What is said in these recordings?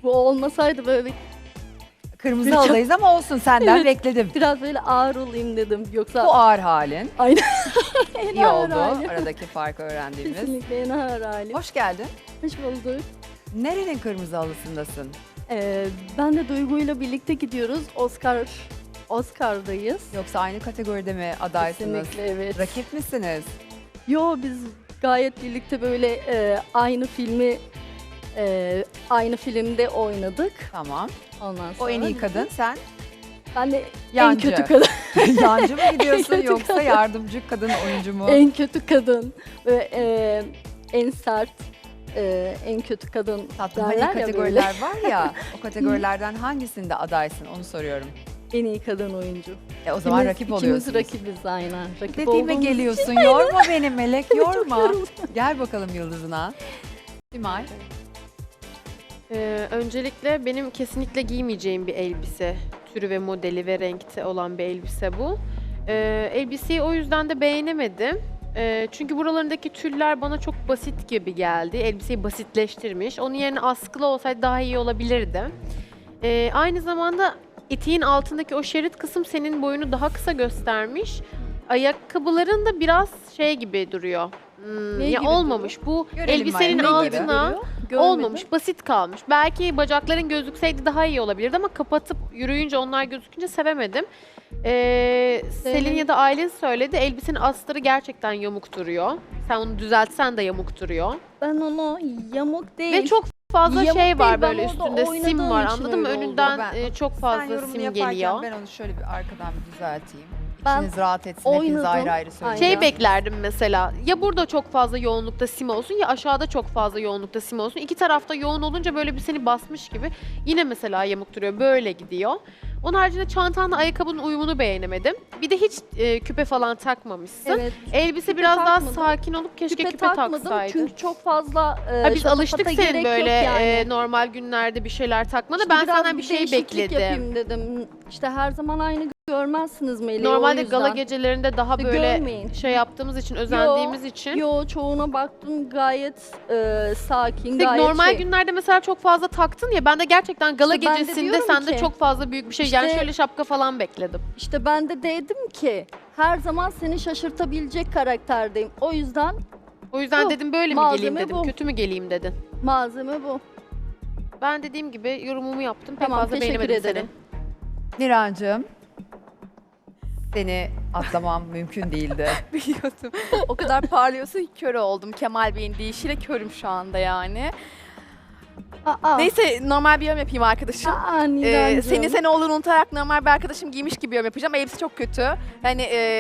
Bu olmasaydı böyle Kırmızı Biraz- halıdayız ama olsun senden Evet. bekledim. biraz böyle ağır olayım dedim. Yoksa Bu ağır halin. aynen. İyi ağır oldu hali. aradaki farkı öğrendiğimiz. Kesinlikle en ağır halim. Hoş geldin. Hoş bulduk. Nerenin kırmızı halısındasın? Ben de Duygu'yla birlikte gidiyoruz. Oscar'dayız. Yoksa aynı kategoride mi adaysınız? Kesinlikle evet. Rakip misiniz? Yo biz gayet birlikte böyle aynı filmde oynadık. Tamam. Ondan sonra O en iyi kadın, sen Ben de Yancı. en kötü kadın. yancı mı gidiyorsun kötü yoksa kadın. yardımcı kadın oyuncu mu? En kötü kadın. Ve en sert, en kötü kadın Tatlım, derler hani ya kategoriler var ya, o kategorilerden hangisinde adaysın onu soruyorum. En iyi kadın oyuncu. O zaman İkimiz- rakip oluyorsunuz. İkimiz rakibiz aynen. Rakip Dediğime olduğumuz geliyorsun, yorma beni Melek, yorma. yoruldum. Gel bakalım yıldızına. Simay. Öncelikle benim kesinlikle giymeyeceğim bir elbise türü ve modeli ve renkte olan bir elbise bu. Elbiseyi o yüzden de beğenemedim. Çünkü buralarındaki tüller bana çok basit gibi geldi. Elbiseyi basitleştirmiş. Onun yerine askılı olsaydı daha iyi olabilirdi. Aynı zamanda eteğin altındaki o şerit kısım senin boyunu daha kısa göstermiş. Ayakkabıların da biraz şey gibi duruyor. Ne Ya gibi olmamış. Bu Görelim elbisenin Maya, ne gibi? altına Görmedim. olmamış, basit kalmış. Belki bacakların gözükseydi daha iyi olabilirdi ama kapatıp yürüyünce onlar gözükünce sevemedim. Selin ya da Aylin söyledi, elbisenin astarı gerçekten yamuk duruyor. Sen onu düzeltsen de yamuk duruyor. Ben onu yamuk değil. Ve çok fazla Yamuk şey var değil, ben böyle orada üstünde sim oynadığım var, için anladın mı? öyle oldu. Önünden Ben- çok Sen fazla yorumunu sim yaparken geliyor. ben onu şöyle bir arkadan bir düzelteyim. Ben İçiniz rahat etsin, hepiniz oynadım. ayrı ayrı söyleyin. Aynen. Şey beklerdim mesela, ya burada çok fazla yoğunlukta sim olsun ya aşağıda çok fazla yoğunlukta sim olsun. İki tarafta yoğun olunca böyle bir seni basmış gibi. Yine mesela yamuk duruyor, böyle gidiyor. Onun haricinde çantanla ayakkabının uyumunu beğenemedim. Bir de hiç küpe falan takmamışsın. Evet. Elbise Küpe biraz daha takmadım. sakin olup keşke küpe takmadım taksaydın. çünkü çok fazla Ha, biz şatafata alıştık senin gerek böyle yok yani. normal günlerde bir şeyler takmana. İşte Ben biraz senden bir şey değişiklik bekledim. yapayım dedim. İşte her zaman aynı görmezsiniz Melih'i, o Normalde yüzden. gala gecelerinde daha İşte böyle görmeyin. şey yaptığımız için, özendiğimiz için. Yo çoğuna baktım gayet sakin, Tek gayet normal şey. günlerde mesela çok fazla taktın ya, ben de gerçekten gala İşte ben de gecesinde diyorum sende ki, çok fazla büyük bir şey, yani işte- şöyle şapka falan bekledim. İşte ben de dedim ki her zaman seni şaşırtabilecek karakterdeyim. O yüzden O yüzden Bu, dedim böyle mi malzeme geleyim dedim, bu. kötü mü geleyim dedin. malzeme bu. Ben dediğim gibi yorumumu yaptım, pek Tamam, fazla teşekkür beğenemedim ederim. seni. Nirancığım, seni atlamam mümkün değildi. Biliyordum. O kadar parlıyorsa kör oldum. Kemal Bey'in deyişiyle körüm şu anda yani. Aa, Neyse normal bir yorum yapayım arkadaşım. Nirancığım. Senin sen olduğunu unutarak normal bir arkadaşım giymiş gibi yorum yapacağım. Elbise çok kötü. Yani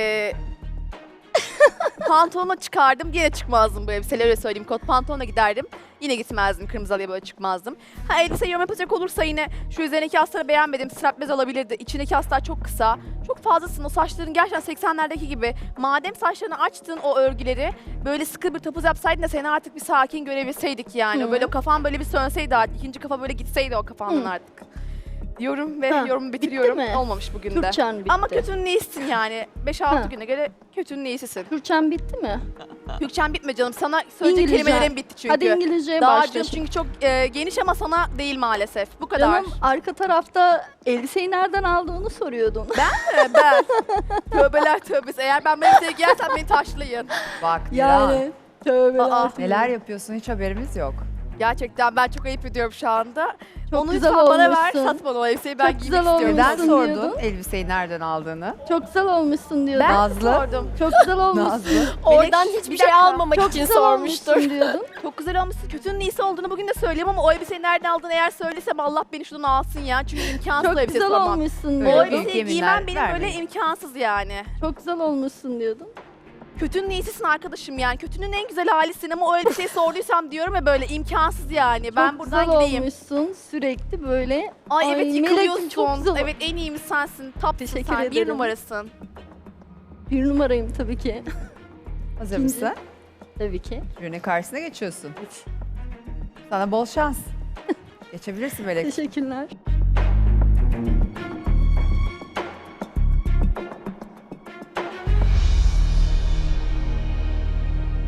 pantolonu çıkardım yine çıkmazdım bu elbiseyle, öyle söyleyeyim. Kot pantolonla giderdim. Yine gitmezdim. Kırmızı halıya böyle çıkmazdım. Ha, elbise yorum yapacak olursa yine şu üzerindeki astarı beğenmedim. Straplez olabilirdi. İçindeki astar çok kısa. Çok fazlasın. O saçların gerçekten 80'lerdeki gibi. Madem saçlarını açtın o örgüleri, böyle sıkı bir topuz yapsaydın da seni artık bir sakin görebilseydik yani. Hı. Böyle kafan böyle bir sönseydi artık. İkinci kafa böyle gitseydi o kafandan Hı. artık. Diyorum ve Ha, yorumu bitiriyorum. mi? Olmamış bugün de. Kürçen bitti. Ama kötünün iyisisin yani. 5-6 Ha. güne göre kötünün iyisisin. Kürçen bitti mi? Kürçen bitme canım. Sana söyleyecek İngilizce. kelimelerim bitti çünkü. Hadi İngilizceye Dağcım başlayalım. çünkü çok geniş ama sana değil maalesef. Bu kadar. Canım arka tarafta elbiseyi nereden aldığını soruyordun. Ben. Tövbeler tövbesi. Eğer ben böyle bir giyersem beni taşlayın. Bak Niran, Yani tövbeler. Aa, neler yapıyorsun hiç haberimiz yok. Gerçekten ben çok ayıp ediyorum şu anda. Çok Onu güzel lütfen bana ver. olmuşsun. Sat bana o elbiseyi, ben Çok giymek güzel istiyorum. Neden olmuşsun sordun diyordun. elbiseyi nereden aldığını? Çok güzel olmuşsun diyordun. Ben Nazlı. sordum. Çok güzel olmuşsun. Nazlı. Oradan Melek, hiçbir bir şey dakika. almamak Çok için güzel sormuştur. olmuşsun diyordun. Çok güzel olmuşsun. Kötünün iyisi olduğunu bugün de söyleyeyim ama o elbiseyi nereden aldığını eğer söylesem Allah beni şuradan alsın ya. Çünkü imkansız o Çok elbise güzel bulamam. olmuşsun Öyle O büyük diyordun. elbiseyi yeminler giymem benim böyle vermeyin. imkansız yani. Çok güzel olmuşsun diyordun. Kötünün iyisisin arkadaşım yani. Kötünün en güzel halisin ama o elbiseyi sorduysam diyorum ya, böyle imkansız yani. Ben Çok buradan güzel gideyim. olmuşsun sürekli böyle. Ay evet, Melek'im yıkılıyorsun. çok güzel. Evet, en iyimiz sensin. Tapsın Teşekkür sen. Bir ederim. numarasın. Bir numarayım tabii ki. Hazır İkinci. mısın? Tabii ki. Jürinin karşısına geçiyorsun. Sana bol şans. Geçebilirsin Melek. Teşekkürler.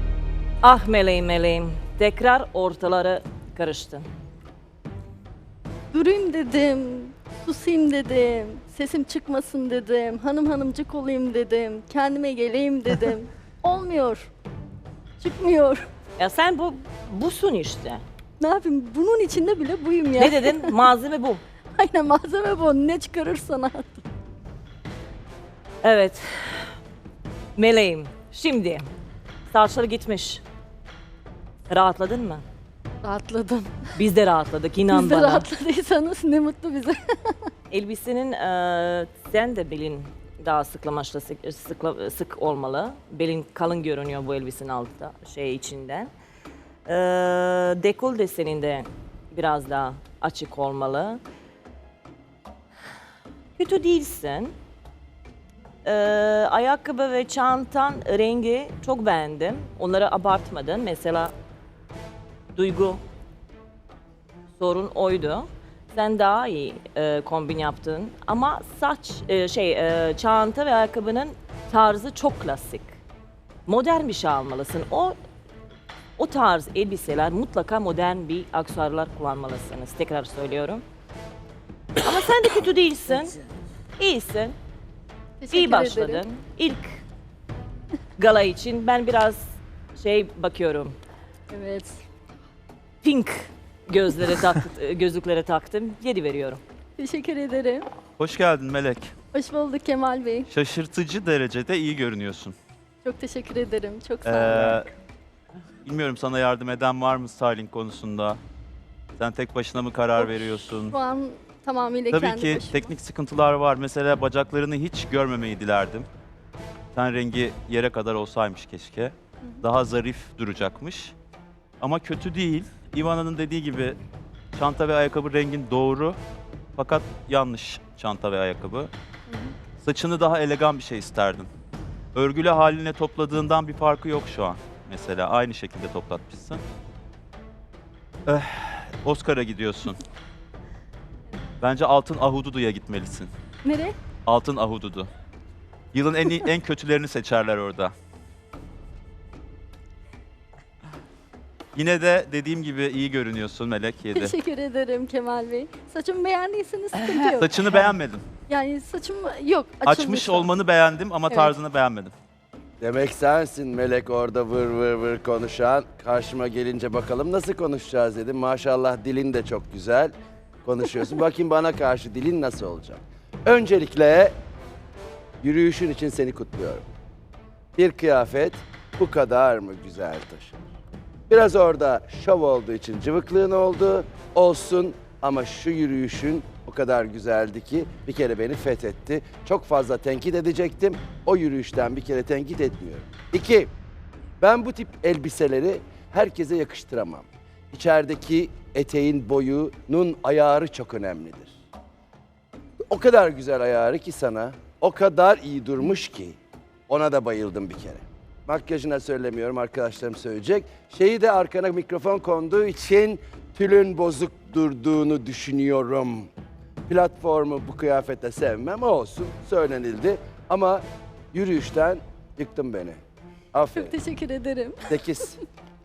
Ah meleğim meleğim, tekrar ortaları karıştın. Durayım dedim, susayım dedim, sesim çıkmasın dedim, hanımcık olayım dedim, kendime geleyim dedim. Olmuyor. Çıkmıyor. Ya sen busun işte. Ne yapayım? Bunun içinde bile buyum ya. Ne dedin? Malzeme bu. Aynen malzeme bu. Ne çıkarırsan at. Evet. Meleğim. Şimdi saçları gitmiş. Rahatladın mı? Rahatladım. Biz de rahatladık, inan Siz de bana. rahatladıysanız ne mutlu bize. Elbisenin sen de belin daha sık olmalı. Belin kalın görünüyor bu elbisenin altta, içinden. Dekol desenin de biraz daha açık olmalı. Kötü değilsin. Ayakkabı ve çantan rengi çok beğendim. Onları abartmadın. Mesela duygu sorun oydu. Sen daha iyi kombin yaptın. Ama çanta ve ayakkabının tarzı çok klasik. Modern bir şey almalısın. O tarz elbiseler mutlaka modern bir aksesuarlar kullanmalısınız. Tekrar söylüyorum. Ama sen de kötü değilsin. İyisin. Teşekkür İyi başladın. ederim. İlk gala için ben biraz bakıyorum. Evet. Pink gözlüklere taktım. 7 veriyorum. Teşekkür ederim. Hoş geldin Melek. Hoş bulduk Kemal Bey. Şaşırtıcı derecede iyi görünüyorsun. Çok teşekkür ederim. Çok sağ olun. Bilmiyorum sana yardım eden var mı styling konusunda? Sen tek başına mı karar veriyorsun? Şu an tamamıyla Tabii kendi ki başıma. teknik sıkıntılar var. Mesela bacaklarını hiç görmemeyi dilerdim. Ten rengi yere kadar olsaymış keşke. Daha zarif duracakmış. Ama kötü değil. Ivana'nın dediği gibi çanta ve ayakkabı rengin doğru. Fakat yanlış çanta ve ayakkabı. Saçını daha elegan bir şey isterdim. Örgülü haline topladığından bir farkı yok şu an. Mesela aynı şekilde toplatmışsın. Oscar'a gidiyorsun. Bence Altın Ahududu'ya gitmelisin. Nereye? Altın Ahududu. Yılın en kötülerini seçerler orada. Yine de dediğim gibi iyi görünüyorsun Melek 7. Teşekkür ederim Kemal Bey. Saçımı beğendiyseniz sıkıntı yok. Saçını beğenmedim. Yani saçım yok. açıldı Açmış şu an. olmanı beğendim ama Evet. tarzını beğenmedim. Demek sensin Melek orada vır vır vır konuşan. Karşıma gelince bakalım nasıl konuşacağız dedim. Maşallah dilin de çok güzel konuşuyorsun. Bakayım bana karşı dilin nasıl olacak. Öncelikle yürüyüşün için seni kutluyorum. Bir kıyafet bu kadar mı güzel taşınır? Biraz orada şov olduğu için cıvıklığın oldu. Olsun ama şu yürüyüşün o kadar güzeldi ki bir kere beni fethetti. Çok fazla tenkit edecektim. O yürüyüşten bir kere tenkit etmiyorum. 2. Ben bu tip elbiseleri herkese yakıştıramam. İçerideki eteğin boyunun ayarı çok önemlidir. O kadar güzel ayarı ki sana, o kadar iyi durmuş ki ona da bayıldım bir kere. Makyajına söylemiyorum, arkadaşlarım söyleyecek. Şeyi de arkana mikrofon konduğu için tülün bozuk durduğunu düşünüyorum. Platformu bu kıyafete sevmem olsun, söylenildi. Ama yürüyüşten yıktın beni. Aferin. Çok teşekkür ederim. 8.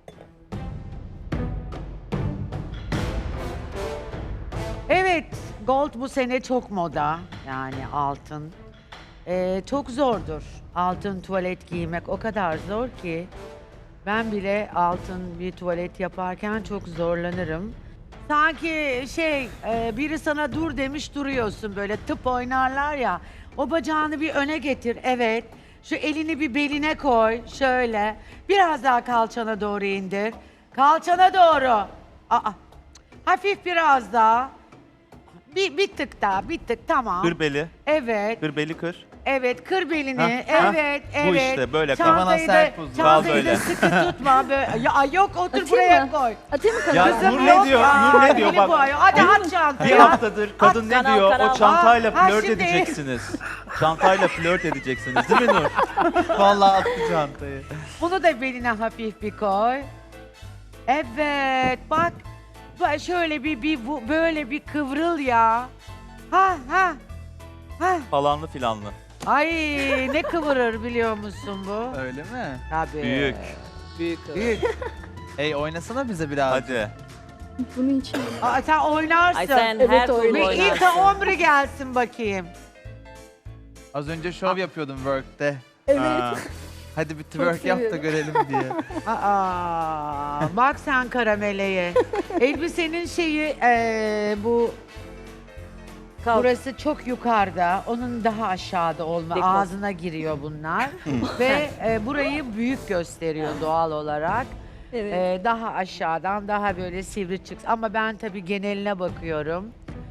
Evet, gold bu sene çok moda. Yani altın. Çok zordur. Altın tuvalet giymek o kadar zor ki. Ben bile altın bir tuvalet yaparken çok zorlanırım. Sanki biri sana dur demiş duruyorsun böyle tıp oynarlar ya. O bacağını bir öne getir, evet. Şu elini bir beline koy, şöyle. Biraz daha kalçana doğru indir. Kalçana doğru. Hafif biraz daha. Bir tık daha, bir tık, tamam. Kır beli, Evet, kır beli kır. evet, kır belini, Hah, evet, Bu evet. işte böyle kal. Çantayı da, Kal çantayı böyle. da sıkı tutma böyle. Ya yok, otur Atayım buraya mı? koy. Atayım mı Ya kanala? Nur Kızım ne yok diyor? ya, Nur ne diyor? eli Bak. bu ayol. Hadi at çantayı. Bir haftadır kadın ne kanal, diyor? kanal. O çantayla Ha, flört şimdi. edeceksiniz. Çantayla flört edeceksiniz değil mi Nur? Vallahi attı çantayı. Bunu da beline hafif bir koy. Evet, bak. Şöyle böyle bir kıvrıl ya. Ha. Falanlı filanlı. Ay ne kıvırır biliyor musun bu? Öyle mi? Tabii. Büyük. Büyük. Oynasana bize biraz. Hadi. Bunun için. Aa, sen oynarsın. Ay sen Evet, her türlü öyle. Bir oynarsın. ilk omri gelsin bakayım. Az önce şov yapıyordum work'te. Evet. Ha, Hadi bir twerk yap da seviyorum. görelim diye. Aa, bak sen karameleğe. Elbisenin şeyi bu burası çok yukarıda. Onun daha aşağıda olma. Dekor. Ağzına giriyor bunlar. Ve burayı büyük gösteriyor doğal olarak. Evet. Daha aşağıdan daha böyle sivri çıksın. Ama ben tabii geneline bakıyorum.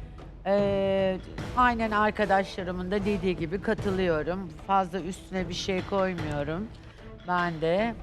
Aynen arkadaşlarımın da dediği gibi katılıyorum. Fazla üstüne bir şey koymuyorum. Ben de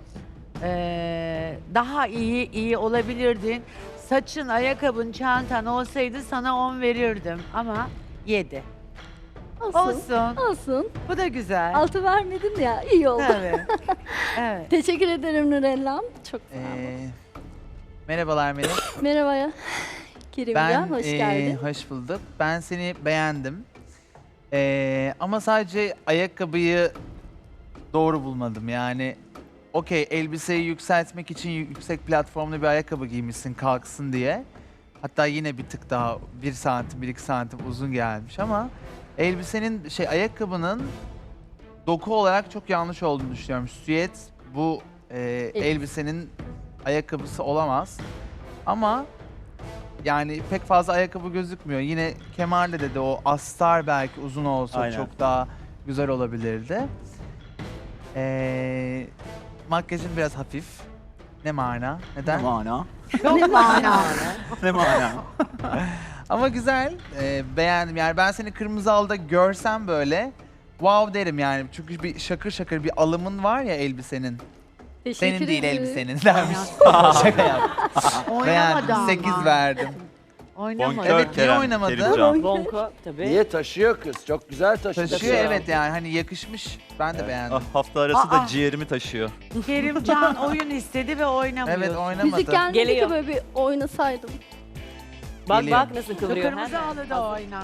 daha iyi olabilirdin. Saçın, ayakkabın, çantan olsaydı sana 10 verirdim ama 7. Olsun. Olsun. Olsun. Bu da güzel. 6 vermedim ya. İyi oldu. Tabii. Evet. Teşekkür ederim Nurellam. Çok sağ olun. Merhabalar Melek. Merhaba ya. Kerimcan hoş geldin. Hoş bulduk. Ben seni beğendim. Ama sadece ayakkabıyı doğru bulmadım. Yani okey, elbiseyi yükseltmek için yüksek platformlu bir ayakkabı giymişsin kalksın diye. Hatta yine bir tık daha 1 santim 1-2 santim uzun gelmiş ama elbisenin ayakkabının doku olarak çok yanlış olduğunu düşünüyorum. Süet bu elbisenin ayakkabısı olamaz. Ama yani pek fazla ayakkabı gözükmüyor. Yine kemerle de o astar belki uzun olsa Aynen. çok daha güzel olabilirdi. Makyajın biraz hafif. Ne mana? Neden? mana? Çok mana. Ne mana? Ama güzel. Beğendim. Yani ben seni kırmızı halıda görsem böyle wow derim yani. Çünkü bir şakır şakır bir alımın var ya elbisenin. Teşekkür Senin değil ederim. elbisenin dermiş. Şaka yap. Oynamadı Beğendim. ama. 8 verdim. Oynamadı. Bonkör Evet, niye Kerem, oynamadı? Kerimcan. Bonko tabii. Niye taşıyor kız? Çok güzel taşıyor. Taşıyor evet yani hani yakışmış. Ben de beğendim. Ah, hafta arası da Aa. ciğerimi taşıyor. Kerimcan oyun istedi ve oynamıyor. Evet oynamadı. Müzik gelmedi Geliyor. ki böyle bir oynasaydım. Bak Geliyor. bak nasıl kıvırıyor. Kırmızı Hemen. halıda oyna.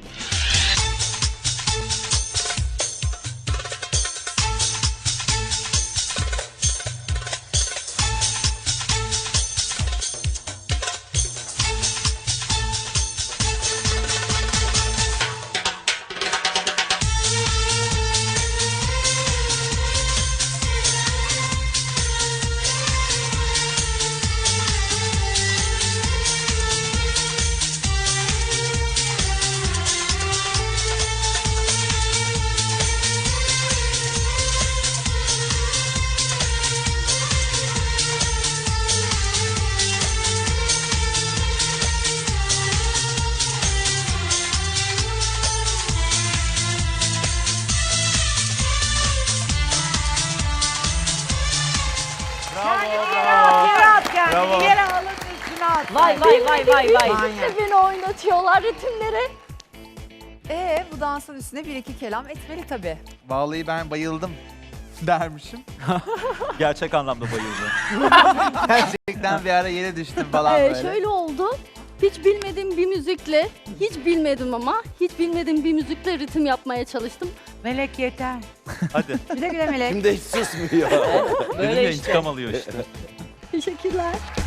Yere at kendini. Bravo. Yere alın üstüne at. Vay vay vay vay vay. Manyak. Beni oynatıyorlar ritimleri. Bu dansın üstüne 1-2 kelam etmeli tabii. Vallahi ben bayıldım dermişim. Gerçek anlamda bayıldı. Gerçekten bir ara yere düştüm falan böyle. Şöyle oldu. Hiç bilmediğim bir müzikle, hiç bilmedim ama hiç bilmediğim bir müzikle ritim yapmaya çalıştım. Melek yeter. Hadi. Güle güle Melek. Şimdi hiç susmuyor. Dedim Böyle ya işte. intikam alıyor işte. Teşekkürler.